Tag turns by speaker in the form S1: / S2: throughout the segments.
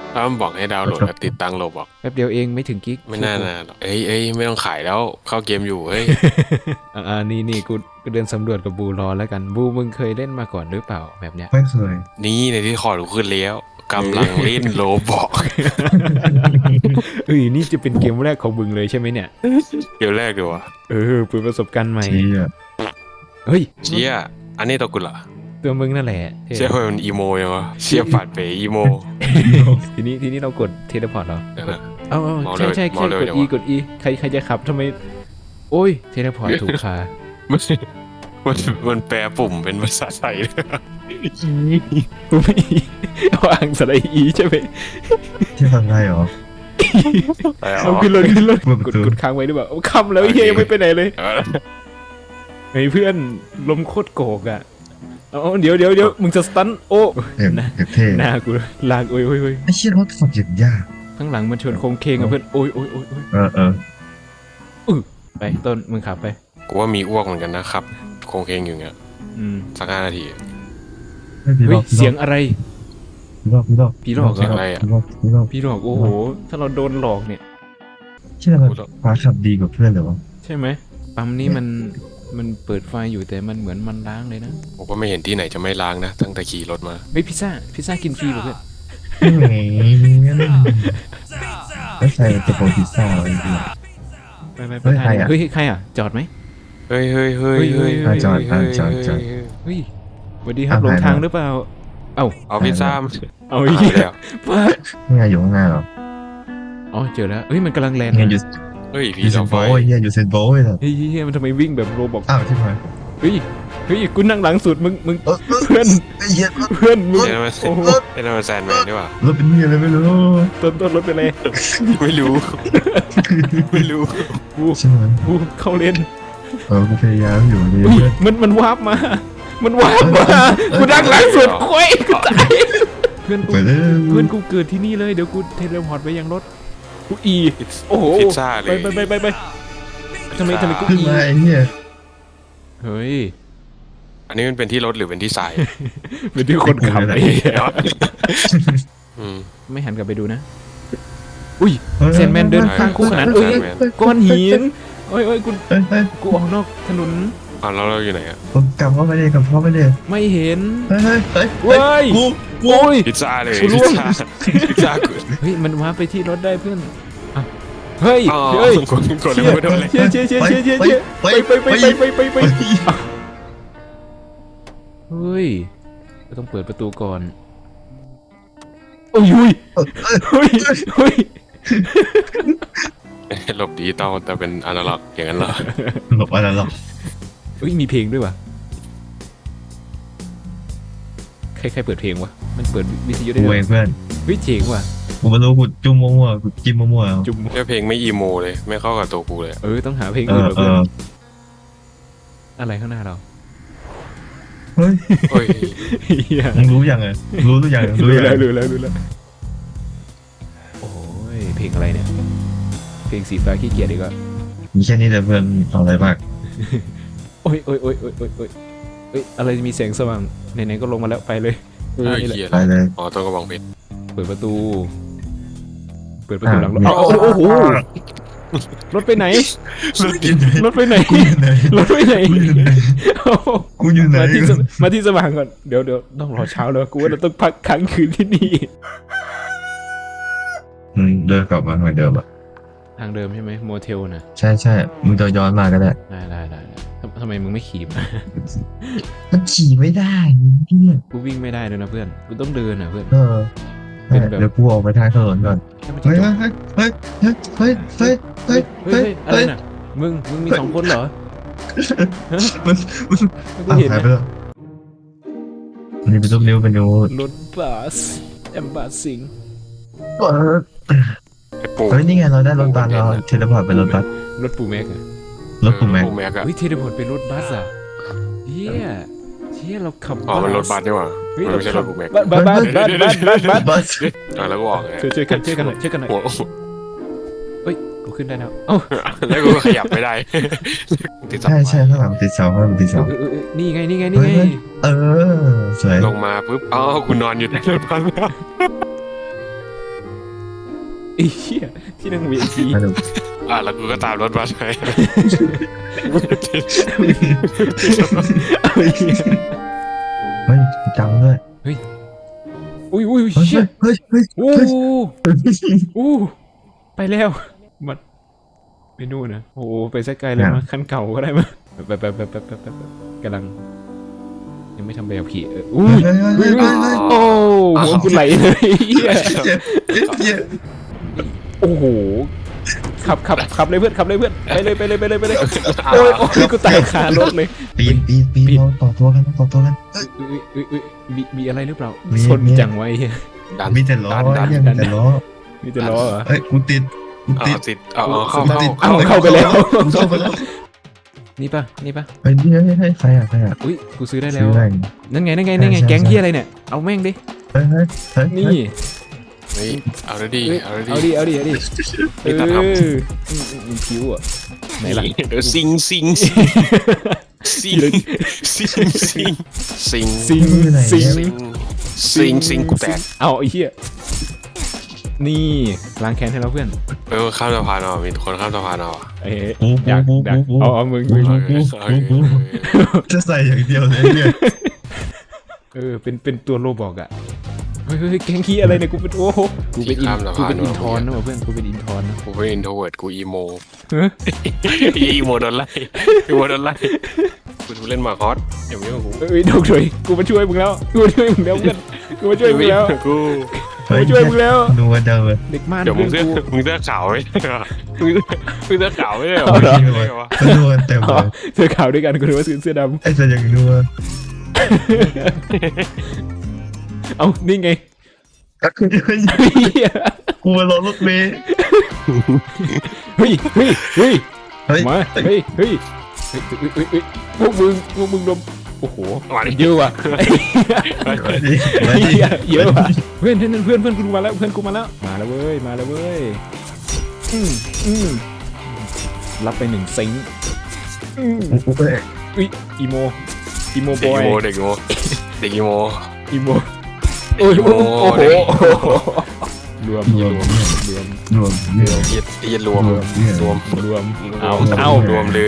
S1: ถ้ามันบอกให้ดาวน์โหลดกับติดตั้งโลบอก
S2: แป๊บเดียวเองไม่ถึงกิก
S1: ไม่น่านะหรอกเอ้ยไม่ต้องขายแล้วเข้าเกมอยู่เฮ้ย
S2: นี่กูเดินสำรวจกับบูรอแล้วกันบูมึงเคยเล่นมาก่อนหรือเปล่าแบบเนี้ย
S3: ไม่เคย
S1: นี่ในที่คอร์ดกูขึ้นแล้วกำลังเล่นโลบอก
S2: นี่จะเป็นเกมแรกของมึงเลยใช่ไหมเนี่ย
S1: เดี๋ยวแรกดีวะ
S2: เปิดประสบการณ์ใหม่
S3: เชี่ย
S2: เฮ้ย
S1: เชี่ยอันนี้ตัวกูเหรอ
S2: ตัวมึงนั่นแหละเท่
S1: เชี่ยมันอีโมยังวะเชี่ยปัดเป๋อีโม
S2: ทีนี้เรากดเทเลพอร์ตเหรอ
S1: เดี๋ยวนะ
S2: เอา
S1: เมา
S2: ใช่
S1: เร็ว
S2: ใช่
S1: เมาเร็ว
S2: กด
S1: จัง
S2: E
S1: วะ
S2: กด E ใครจะขับทำไม โอ้ยเทเลพอร์ตถูกค่ะ
S1: มันมันแปลปุ่มเป็นภาษาไทยเลย
S2: กูไม่เอาอ่างสไลด์ E ใช่ไหม
S3: ที่ทำได้เหรอ
S2: เอาขึ้นรถ
S3: เปิดประตู
S2: กดค้างไว้ด้วยแบบเอาคำแล้วเฮียยังไม่ไปไหนเลยไอ้เพื่อนลมโคตรโกกอ่ะเอาเดี๋ยวมึงจะสตันโอ้
S3: เอ็ม
S2: นะ
S3: เท่
S2: หน้ากูลากโอ้ย
S3: ไอ้เชี่ยรถฝักอย่างยาก
S2: ข้างหลังมันชวนโค้งเคงอ่ะเพื่อนโอ้ย
S3: เออ
S2: ไปต้นมึงขับไป
S1: กูว่ามีอ้วกเหมือนกันนะครับโคงเคงอยู่เงี้ย
S2: อืม
S1: สัก5 นาที
S3: ไม่พี่
S2: เฮ้
S3: ร
S2: ย
S3: อบ
S2: เสียงอะไร
S3: พี่รอบ
S2: พี่หลอกเหรอ
S1: อะไรอ่ะ
S3: พี่รอบ
S2: พี่หลอกโอ้โหถ้าเราโดนหลอกเนี่ย
S3: เชี่ยมันฟ้าขับดีกว่าเพื่อนเหรอวะ
S2: ใช่ไหมปั๊มนี้มันเปิดไฟอยู่แต่มันเหมือนมันล้างเลยนะ
S1: ผมก็ไม่เห็นที่ไหนจะไม่ล้างนะตั้งแต่ขี่รถมา
S2: เฮ้ยพิซซ่ากินฟรีเหรอเพื่อน
S3: แหมงั้นไม่ใส่ตัวโปรพิซซ่าอะไรดี
S2: ไป
S3: เฮ้ยใครอะ
S2: เฮ้ยใครอ่ะจอดไหม
S1: เฮ้ย
S2: เฮ้ย
S3: จอด
S2: เฮ้ยสวัสดีครับหลงทางหรือเปล่าเอ้า
S1: เอาพิซซ่า
S2: เอา
S1: หาย
S2: เหี้
S1: ไป
S2: ย
S1: แล้ว
S2: ป้า
S3: นี่ไงอยู่ข้างหน้าเหรอ
S2: อ๋อเจอแล้วเฮ้ยมันกำลังแลนด์
S3: เนี่ยอยู่
S1: เฮ้ย
S3: อ
S1: ผี
S3: ยู่เซ
S1: เสาน ไฟ
S3: โบยเนี่ยอยู่เซนโบยเหรอ
S2: เฮ้ยมันทำไมวิ่งแบบโรบอก
S3: อ้าวที่ไหน
S2: เฮ้ยกูนั่งหลังสุดมึง
S3: เออ
S2: เพื่อน
S3: ไอ้เหี้ย
S2: เพื่อนมึง
S1: เอ็นมัน
S2: โอ้โห
S1: เอ็นมันแซนแมนดีกว่าร
S3: ถเป็นนี่อะไรไม่รู้
S2: ต้นรถไปเลย
S1: ไม่รู้ ไม่รู้
S2: กู
S3: ใช่ไหม
S2: กูเข้าเลน
S3: กูพยายามอยู่นี่
S2: อุ้ย
S3: เพื่อน
S2: มันวาร์ปมา มันวาร์ปมากูนั่งหลังสุดโอ้ยกูตายเพื่อนกู
S3: ไปเลย
S2: เพื่อนกูเกิดที่นี่เลยเดี๋ยวกูเทเลพอร์ตไปยังรถกูอีโอ้โห
S1: พิซซ่าเลย
S2: ไปทำไมกู
S3: ขึ้น
S2: อี
S3: มาไอ้เนี่ย
S2: เฮ้ย
S1: อันนี้มันเป็นที่รถหรือเป็นที่ทราย
S2: เป็นที่คนขับไอ้เหี้ย
S1: อืม
S2: ไม่หันกลับไปดูนะ อุ้ยเซนแมนเดินข้างคู่ขนานเอ้ย
S1: แมน
S2: ก้อนหินเอ้ยกู
S3: เฮ้ย
S2: กูออกนอกถนน
S1: อ่ะแล้วเราอยู่ไหนอ่ะ
S3: ผมกลับเข้าไปเลยกลับเข้าไปเลย
S2: ไม่เห็น
S3: เฮ้ย
S2: เว้ย โอ้ย
S1: พิซซ่าเลย
S2: กูร่
S1: พิ
S2: ว
S1: ซ
S2: ง
S1: ซ่าพิซซ่ากู
S2: เฮ้ยมันวาร์ปไปที่รถได้เพื่อนอ่ะเฮ้ย
S1: อ๋อ
S2: เฮ้ย
S1: กดแล้วไม่โดนเลย
S2: เชี่ยไปเฮ้ยก็ต้องเปิดประตูก่อนโอ้ยเฮ้ย
S1: หลบดิจิตอลแต่เป็นอนาล็อกอย่างนั้นเหรอ
S3: หลบอะไรหรอก
S2: เฮ้ยมีเพลงด้วยวะใครเปิดเพลงวะมันเปิดวิทยุได้
S3: กู
S2: ด้ว
S3: เอย งเพื่อน
S2: เฮ้ยเจ๋งว่ะ
S3: กูไม่รู้กูจุ่มมั่วๆกูจิ้มมั่วๆเอา
S2: จุ่ม
S1: แค่เพลงไม่อีโมเลย ไม่เข้ากับตัวกูเลย
S2: ต้องหาเพลง
S3: เอ
S2: อื่น
S3: อ
S2: เหรอ
S3: เอ
S2: เพื่อน
S3: อ
S2: อะไรข้างหน้าเรา
S3: เฮ้ย
S1: เฮ้ย
S2: เหี้ย
S3: มึงรู้ยังไงรู้หรือยัง
S2: รู้
S3: ยัง
S2: แล้วโอ้ยเพลงอะไรเนี่ยเพลงสีฟ้าขี้เกียจดีกว่า
S3: มีแค่นี้เลยเพื่อนเอาอะไรบ้าง
S2: โอ้ยอะไรมีแสงสว่างไหนๆก็ลงมาแล้วไปเลย
S1: เฮ้ย
S2: นี่แหละ
S1: เฮีย
S3: ไปเลย
S1: อ๋อตัวกระบองเพชร
S2: เปิดประตูหลังรถ
S3: อ่ะ
S2: โอ้โหรถไปไหน รถไปไหน
S3: กูอยู่ไหน
S2: รถไปไหน
S3: กูอยู่ไหน กูอยู่ไหน
S2: มาที่สว่างก่อนเดี๋ยวต้องรอเช้าแล้วกูว่าเราต้องพักค้างคืนที่นี่
S3: เดินกลับมาเหมือนเดิมอ่ะ
S2: ทางเดิมใช่ไหมโมเทลนะ
S3: ใช่มึงจะย้อนมาก็ได้
S2: ได้ทำไมมึงไม่ขี่มา
S3: มันขี่ไม่ได้เนี่ย
S2: กูวิ่งไม่ได้เลยนะเพื่อนกูต้องเดินนะเพื่อน
S3: เป็นแบบเดี๋ยวกูออกไปทางถนนก่อน
S2: ถ้ามันจะ
S3: เฮ้ย
S2: จบ
S3: เฮ้ย
S2: อะไรน่ะมึงมี2 คนเหรอ
S3: มัน
S2: กูเห็น
S3: หายไป
S2: นะ
S3: แล้วนี่เป็นรูปนิ้วเป็นนิ้ว
S2: รถบัสแอมบัสสิง
S1: ไอ้ปู
S3: เฮ้ยนี่ไงเราได้รถบัสเราเทเลพอร์ตเป็นรถบัส
S2: รถปูแม็กอะ
S3: รถกูแม็ก
S1: ปูแม็กอะ
S2: เฮ้ยเทเลพอร์ตเป็นรถบัสอะเชี่ยเราขับ
S1: อ๋อมันรถบัสนี่หว่า
S2: เฮ้ย
S1: มัน
S2: เรา
S1: ไม่ใช่ร
S2: ขับ
S1: ถปูแม็ก
S2: บัส
S3: บัส
S1: อ่ะแล้วก็ออกไง
S2: ช่วยกันหน่อย
S1: หัว
S2: เฮ้ยกูขึ้นได้แล้วเอ้า
S1: แล้วกูก็ขยับไม่ได้ติดสับ
S3: ใช่ข้างหลังติดเสาข้างหลังติดเสา
S2: นี่ไง
S3: เออสวย
S1: ลงมาปุ๊บอ๋อคุณนอนอยู่ในรถบัสแล้ว
S2: ไอ้เหี้ยที่นั่ง VIP
S3: มาดู
S1: แล้วกูก็ตามรถมาเลย
S2: เอาไอ้เหี้ย
S3: เฮ้ยจังด้วย
S2: อุ้ย
S3: เฮ้ย
S2: เชี่ย
S3: เฮ้ยเฮ้ย
S2: โอ้
S3: เฮ้ย
S2: โอ้ไปแล้วมันไปนู่นนะโอ้ไปสักไกลเลยมั้ยคันเก่าก็ได้มั้ยแบบกำลังยังไม่ทำใบขับขี่อุ้ย
S3: เฮ้ยเฮ้ยเฮ้ยเฮ้ย
S2: โอ้หัวกูไหลเลยเหี้ย
S3: เจ็บเจ็บ
S2: โอ้โหขับเลยเพื่อนขับเลยเพื่อนไปเลยโอ้ยกูตายคารถเลย
S3: ปีนเราต่อตัวกัน
S2: มีอะไรหรือเปล่า
S3: มี
S2: ชนจังไว้เหี้ย
S3: มีแต่ล้อยังมีแต่ล้อ
S2: มีแต่ล้อเหรอ
S3: เฮ้ยกูติด
S1: ติดเอาเข้า
S2: เข้าไปแล้ว
S3: เข้าไปแล้ว
S2: นี่ปะ
S3: เฮ้ยให้ใครอ่ะ
S2: อุ้ยกูซื้อได้แล้
S3: ซื้
S2: ว
S3: ออะไร
S2: นั่นไง
S3: ใช่
S2: แก๊งเฮียอะไรเนี่ยเอาแม่งดิ
S3: เฮ้ย
S2: นี่
S1: เฮ้ยเอาเลยดิ
S2: เอาดิผิวอ่ะไหนล่ะ
S1: เดี๋ยวซิงกูแตก
S2: เอาไอ้เหี้ยนี่ล้างแค้นให้เราเพื่อน
S1: ข้ามสะพานเอามีคนข้ามสะพานเอา
S2: เอ้ยอยากเอามึง
S3: จะใส่อย่างเดียวเลยเนี่ย
S2: เป็นตัวโรบอกอ่ะเฮ้ยแก๊งขี้อะไรเนี่ยกูเป็นโอ้โหกูเป็นอินทอนนะเพื่อนกูเป็นอินทอนนะ
S1: กูเป็นอินโทรเวิร์ดกูอีโม
S2: เฮ้ย
S1: อีโมโดนไล่กูเล่นมาคอสอย่ามายุ่งกับกู
S2: เอ้ยดอกถอยกูมาช่วยมึงแล้วเพื่อนกูมาช่วยมึงแล้ว
S1: กู
S2: มาช่วยมึงแล้ว
S3: นัวเดิมเลย
S2: เด็กม่าน
S1: เดี๋ยวมึ
S2: เพื่
S1: ง
S2: อน
S1: เสื้อ
S2: กู
S1: ขาวไม่ใช่เหรอมึงเสื้อขาวไม่ใช่เหรอ
S3: นัวเต็มเลย
S2: เสื้อขาวด้วยกันกูนึกว่าเสื้อด
S3: ไอ้จะอย่างนัว
S2: ำเอานี่ไง
S3: ก็คือ กูมารอรถเมย์
S2: เฮ้ยมาพวกมึงดมโอ้โหเยอะว่ะเยอะว่ะเพื่อนกูมาแล้วมาแล้วเว้ยรับไป1ซิงอีโมบอย
S1: เด็กอีโม
S2: โอ้โหรวม
S1: เย็นรวมเอารวมเลย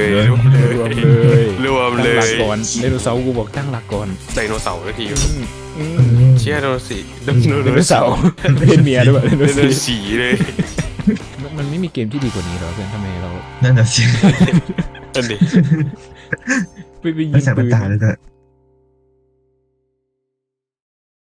S2: ตั้งหลักก่อนไดโนเสาร์กูบอกตั้งหลักก่อน
S1: ไดโนเสาร์ทีเชี่ยไดโนสี
S2: ไดโนเสาร์เป็นเมียด้วยไดโน
S1: ไดโนสีเลย
S2: มันไม่มีเกมที่ดีกว่านี้หรอเพื่อนทำไมเรา
S3: นั่นน่ะสิ
S1: นั่นดิ
S2: ไปยิ
S3: ไม่
S2: ง
S3: ใส่
S2: ปื
S3: ตาเลยด้วย